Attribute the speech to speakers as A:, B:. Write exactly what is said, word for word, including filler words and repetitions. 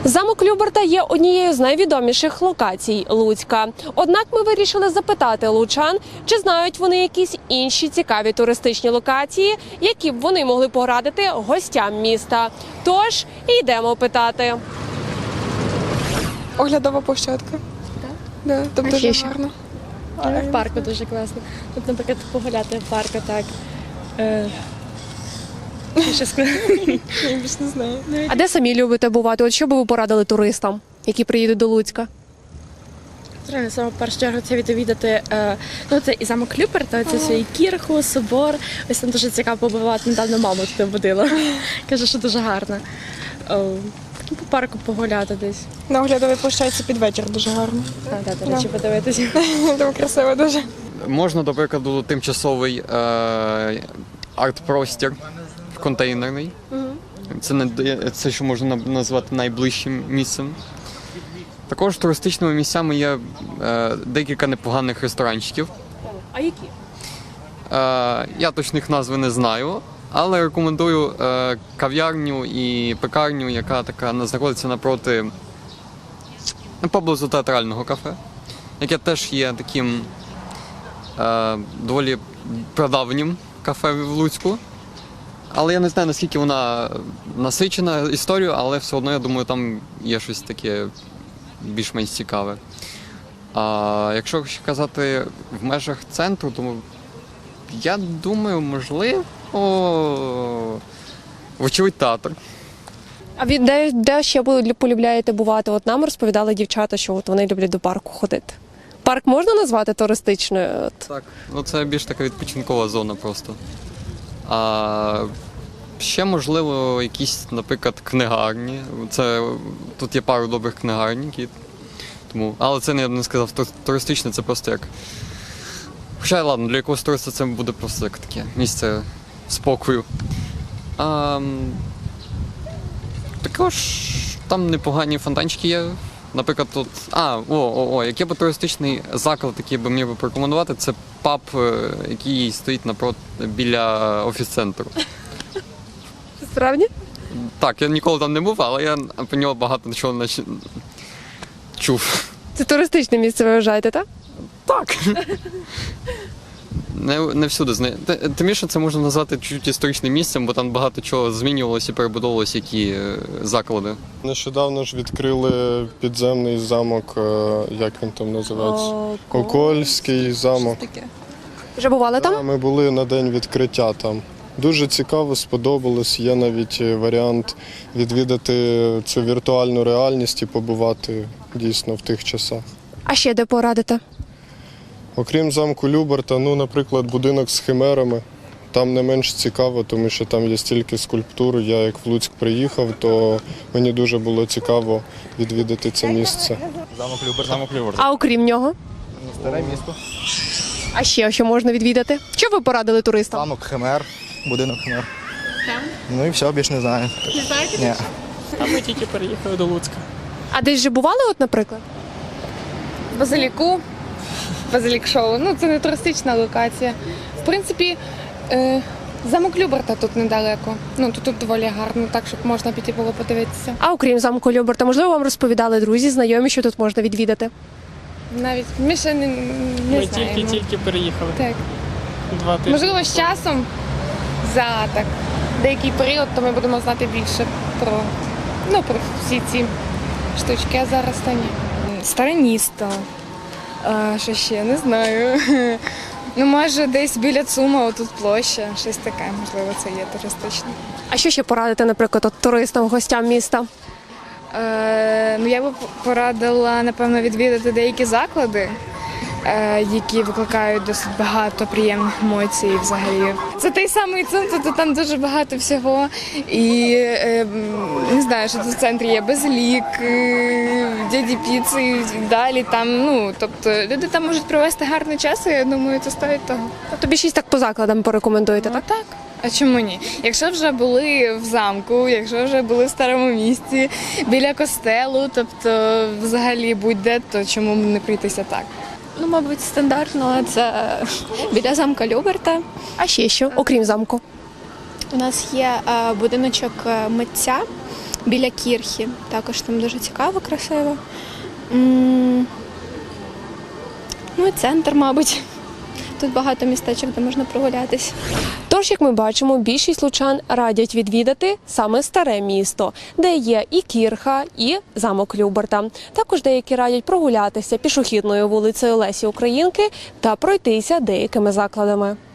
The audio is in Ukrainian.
A: Замок Люберта є однією з найвідоміших локацій Луцька. Однак ми вирішили запитати лучан, чи знають вони якісь інші цікаві туристичні локації, які б вони могли порадити гостям міста. Тож, йдемо питати.
B: Оглядова площадка.
C: Так?
B: Да, там
C: А
B: дуже
C: ще
B: гарно.
C: А, в парку дуже класно. Тут, наприклад, погуляти в парку так. Е... Що сказати?
B: Я більш не знаю.
A: А де самі любите бувати? От що би ви порадили туристам, які приїдуть до Луцька?
C: Реально, саме в першу чергу це відвідати, е, ну це і замок Люберта, це свій кірху, собор. Ось там дуже цікаво побувати. Недавно маму туди водила. Каже, що дуже гарно. О, ну, по парку погуляти десь.
B: На оглядовій площадці під вечір дуже гарно.
C: А, да, до речі, подивитися.
B: Там красиво дуже.
D: Можна, до прикладу, тимчасовий е, арт-простір контейнерний. Це, не, це що можна назвати найближчим місцем. Також туристичними місцями є е, декілька непоганих ресторанчиків.
A: А які?
D: Е, я точних назви не знаю, але рекомендую е, кав'ярню і пекарню, яка така знаходиться напроти поблизу театрального кафе, яке теж є таким е, доволі прадавнім кафе в Луцьку. Але я не знаю, наскільки вона насичена історією, але все одно, я думаю, там є щось таке більш-менш цікаве. А якщо ще казати в межах центру, то я думаю, можливо, вочевидь театр.
A: А від де, де ще ви полюбляєте бувати? От нам розповідали дівчата, що от вони люблять до парку ходити. Парк можна назвати туристичною? От.
D: Так, ну це більш така відпочинкова зона просто. А ще, можливо, якісь, наприклад, книгарні. Це, тут є пару добрих книгарні, які, тому, але це, я б не сказав, туристичне, це просто як... Хоча, ладно, для якогось туриста це буде просто як таке місце спокою. А, також там непогані фонтанчики є. Наприклад, тут... А, о, о, о, який би туристичний заклад, який би міг би порекомендувати, це паб, який стоїть напроти, біля офіс-центру.
A: Справді?
D: Так, я ніколи там не був, але я про нього багато чого нач... чув.
A: Це туристичне місце, ви вважаєте, так?
D: Так. Не, не всюди знаю. Тим більше це можна назвати чуть історичним місцем, бо там багато чого змінювалося і перебудовувалося, які заклади.
E: Нещодавно ж відкрили підземний замок, е, як він там називається?
A: О,
E: Окольський замок.
A: Вже бували
E: Да,
A: там?
E: ми були на день відкриття там. Дуже цікаво, сподобалось. Є навіть варіант відвідати цю віртуальну реальність і побувати дійсно в тих часах.
A: А ще де порадите?
E: Окрім замку Люберта, ну, наприклад, будинок з химерами. Там не менш цікаво, тому що там є стільки скульптур. Я як в Луцьк приїхав, то мені дуже було цікаво відвідати це місце.
F: Замок Люберт, замок Люберт.
A: А окрім нього?
F: Старе місто.
A: А ще що можна відвідати? Що ви порадили туристам?
F: Замок Химер, будинок Химер. Ну і все, більше не знаю.
A: Не знаєте?
F: Ні.
G: А ми тільки переїхали до Луцька.
A: А десь вже бували, от, наприклад?
B: Базиліку. Базилік шоу. Ну, це не туристична локація. В принципі, е, замок Люберта тут недалеко. Ну, тут, тут доволі гарно, так, щоб можна піти було подивитися.
A: А окрім замку Люберта, можливо, вам розповідали друзі, знайомі, що тут можна відвідати?
B: Навіть ми ще не, не
G: Ми
B: знаємо.
G: тільки-тільки переїхали.
B: Так.
G: Два тижні.
B: Можливо, з часом за так, деякий період, то ми будемо знати більше про, ну, про всі ці штучки, а зараз та ні. Старе місто. А, що ще? Не знаю. Ну, може, десь біля ЦУМа, отут площа, щось таке, можливо, це є туристичне.
A: А що ще порадити, наприклад, от, туристам, гостям міста?
B: Е, ну, я би порадила, напевно, відвідати деякі заклади, е, які викликають досить багато приємних емоцій взагалі. Це той самий центр, то там дуже багато всього. І е, не знаю, що тут в центрі є Базилік, е, дяді Піци і далі. Там, ну, тобто люди там можуть провести гарний час, і я думаю, це стоїть того.
A: Тобто більшість так по закладам порекомендуєте,
B: Ну,
A: так?
B: так. А чому ні? Якщо вже були в замку, якщо вже були в старому місті, біля костелу, тобто взагалі будь-де, то чому б не прийтися так?
H: Ну, мабуть, стандартно це біля замка Люберта.
A: А ще що, окрім замку?
H: У нас є е, будиночок е, митця. біля Кірхи. Також там дуже цікаво, красиво. М, Ну і центр, мабуть. Тут багато містечок, де можна прогулятись.
A: Тож, як ми бачимо, більшість лучан радять відвідати саме старе місто, де є і Кірха, і замок Люберта. Також деякі радять прогулятися пішохідною вулицею Лесі Українки та пройтися деякими закладами.